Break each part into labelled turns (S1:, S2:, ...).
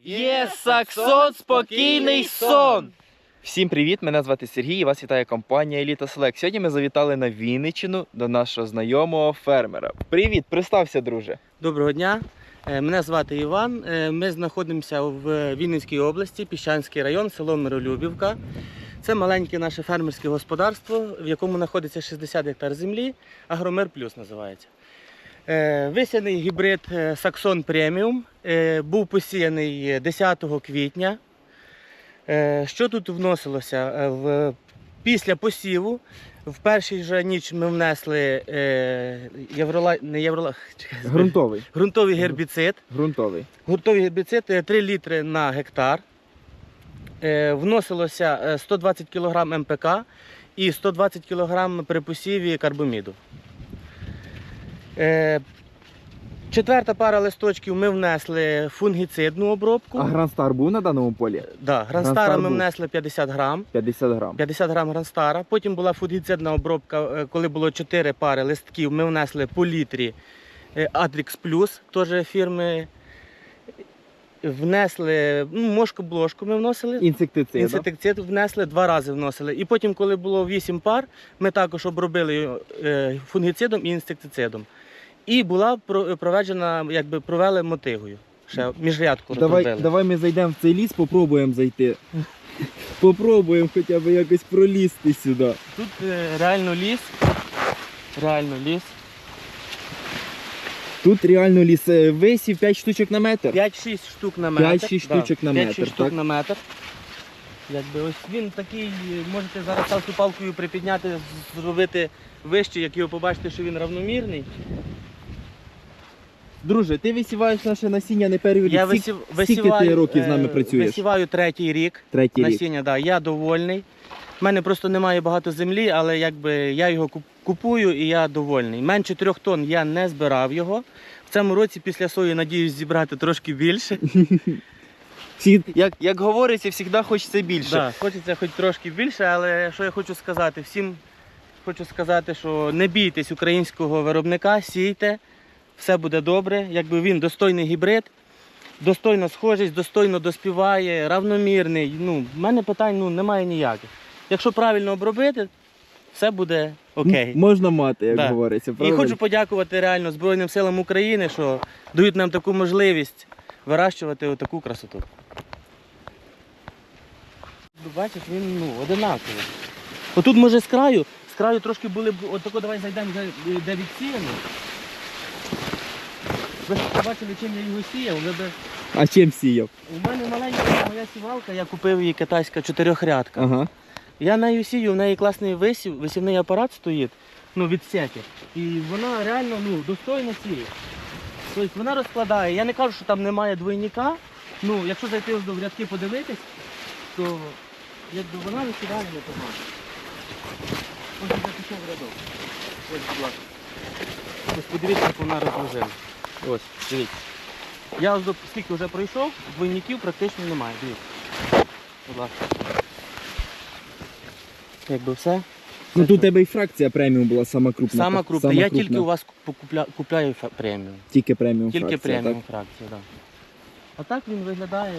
S1: Є Саксон, спокійний сон! Всім привіт! Мене звати Сергій і вас вітає компанія Еліта Селект. Сьогодні ми завітали на Вінниччину до нашого знайомого фермера. Привіт! Представся, друже!
S2: Доброго дня! Мене звати Іван. Ми знаходимося в Вінницькій області, Піщанський район, село Миролюбівка. Це маленьке наше фермерське господарство, в якому знаходиться 60 гектар землі. Агромир Плюс називається. Висіяний гібрид Саксон Преміум. Був посіяний 10 квітня. Що тут вносилося? Після посіву в першій же ніч ми внесли ґрунтовий гербіцид. Ґрунтовий гербіцид 3 літри на гектар. Вносилося 120 кг МПК і 120 кг при посіві карбаміду. Четверта пара листочків ми внесли фунгіцидну обробку.
S1: А Гранстар був на даному полі?
S2: Так, Гранстара ми внесли 50 грам. 50 грам Гранстара. Потім була фунгіцидна обробка, коли було 4 пари листків, ми внесли по літрі Атрікс Плюс, теж фірми. Внесли мошку-блошку ми вносили. Інсектицид внесли, 2 рази вносили. І потім, коли було 8 пар, ми також обробили фунгіцидом і інсектицидом. І була проведена, провели мотигою. Ще міжрядку розробили.
S1: Давай ми зайдемо в цей ліс, попробуємо зайти. Попробуємо хоча б якось пролізти сюди.
S2: Тут реально ліс.
S1: Тут реально ліс. Висів 5 штучок на метр?
S2: 5-6 штук на метр.
S1: 5-6 штучок на метр,
S2: 5-6 штук на метр. Ось він такий, можете зараз ставку палкою припідняти, зробити вище, як його побачите, що він равномірний.
S1: Друже, ти висіваєш наше насіння не перший рік.
S2: Я
S1: Скільки ти років з нами працюєш?
S2: Висіваю 3-й рік насіння, да, я довольний. У мене просто немає багато землі, але я його купую і я довольний. Менше 3 тонн я не збирав його. В цьому році після сої надіюсь зібрати трошки більше.
S1: Як говориться, завжди хочеться більше.
S2: Так, хочеться хоч трошки більше, але що я хочу сказати? Всім хочу сказати, що не бійтесь українського виробника, сійте, все буде добре. Він достойний гібрид, достойно схожість, достойно доспіває, равномірний. В мене питань немає ніяких. Якщо правильно обробити, все буде окей.
S1: Можна мати, як говориться.
S2: Правильно? І хочу подякувати реально Збройним силам України, що дають нам таку можливість вирощувати отаку красоту. Бачиш, він одинаковий. Отут може з краю трошки були, отако давай зайдемо, де відсіяно. Ви ж побачили, чим я його сіяв.
S1: А чим сіяв?
S2: У мене маленька моя сівалка, я купив її китайська 4-рядка.
S1: Ага.
S2: Я нею сію, в неї класний висівний апарат стоїть, від сети. І вона реально достойно сіє. Тобто вона розкладає. Я не кажу, що там немає двойника. Якщо зайти в рядки подивитись, то вона висіває непогано. Ось я пішов в рядок. Ось, будь ласка. Ось подивіться, як вона розложила. Ось, дивіться. Я скільки вже пройшов, двойників практично немає. Дивіться. Будь ласка. Все.
S1: Тут у тебе і фракція преміум була сама крупна.
S2: Сама крупна. Я тільки у вас купляю преміум.
S1: Тільки преміум
S2: фракція. Тільки преміум
S1: так?
S2: фракція, так. А так він виглядає,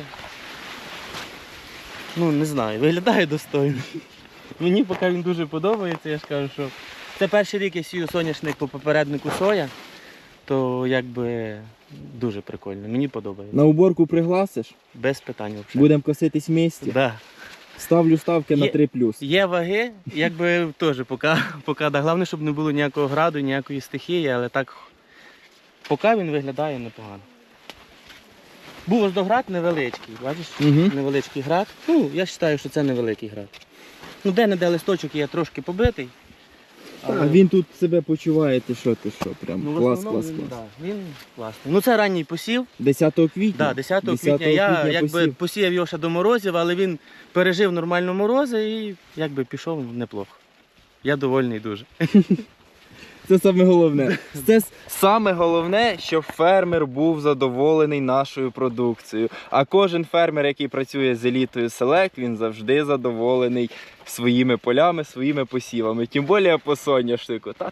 S2: не знаю, виглядає достойно. Мені поки він дуже подобається, я ж кажу, що це перший рік я сію соняшник по попереднику соя, то дуже прикольно, мені подобається.
S1: На уборку пригласиш?
S2: Без питань взагалі.
S1: Будемо коситись в місті?
S2: Так. Да.
S1: Ставлю ставки на 3+.
S2: Є ваги, теж поки, головне, щоб не було ніякого граду, ніякої стихії, але так, поки він виглядає непогано. Був ось град невеличкий, бачиш? Невеличкий град. Я вважаю, що це невеликий град. Де-не-де листочок є трошки побитий.
S1: Але... він тут себе почуває, ти що, прям клас.
S2: Він класний. Це ранній посів.
S1: 10 квітня?
S2: Так, 10 квітня. Я посіяв його ще до морозів, але він пережив нормально морози і пішов неплохо. Я довольний дуже.
S1: Це саме головне. Це саме головне, щоб фермер був задоволений нашою продукцією. А кожен фермер, який працює з Елітою Селект, він завжди задоволений своїми полями, своїми посівами. Тим більше по соняшнику.